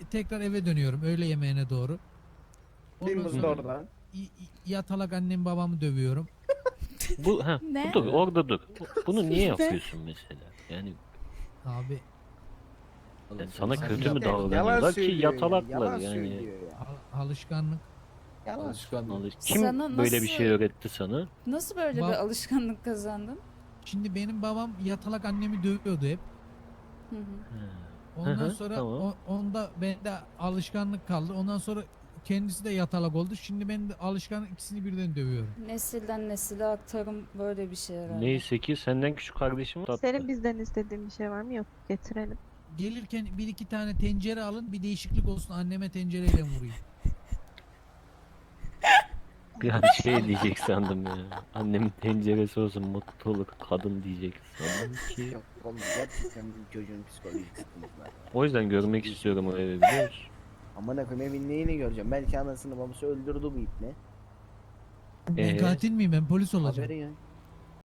tekrar eve dönüyorum öğle yemeğine doğru. Bir Ondan muz sonra oradan. yatalak annem babamı dövüyorum. Bu Ne? dur orada dur. Bunu niye Ne? yapıyorsun mesela? Yani Abi sana sen kötü mü de Yalan davranıyorlar ki söylüyor ya. yatalaklar Yalan yani. söylüyor ya. alışkanlık. Yalan. Kim Sana böyle bir nasıl- şey öğretti sana? Nasıl böyle bir alışkanlık kazandın? Şimdi benim babam yatalak annemi dövüyordu hep. Hı hı. Ondan Hı, sonra tamam. onda bende alışkanlık kaldı. Ondan sonra kendisi de yatalak oldu. Şimdi ben de alışkanlık ikisini birden dövüyorum. Nesilden nesile aktarım böyle bir şey herhalde. Neyse ki senden küçük kardeşim var. Senin bizden istediğin bir şey var mı? Yok, getirelim. Gelirken bir iki tane tencere alın bir değişiklik olsun anneme tencereyle vurayım. Bir an şey diyecek sandım ya. Annemin tenceresi olsun mutlu olur kadın diyecek sandım ki. Yok oğlum gerçekten bu çocuğun psikolojik sıkıntısı var. O yüzden görmek istiyorum o evi biliyor musun? Amına koyayım evin neyini göreceğim. Belki anasını babası öldürdü bu ipne. Ben katil miyim ben polis olacağım. Haberi yok.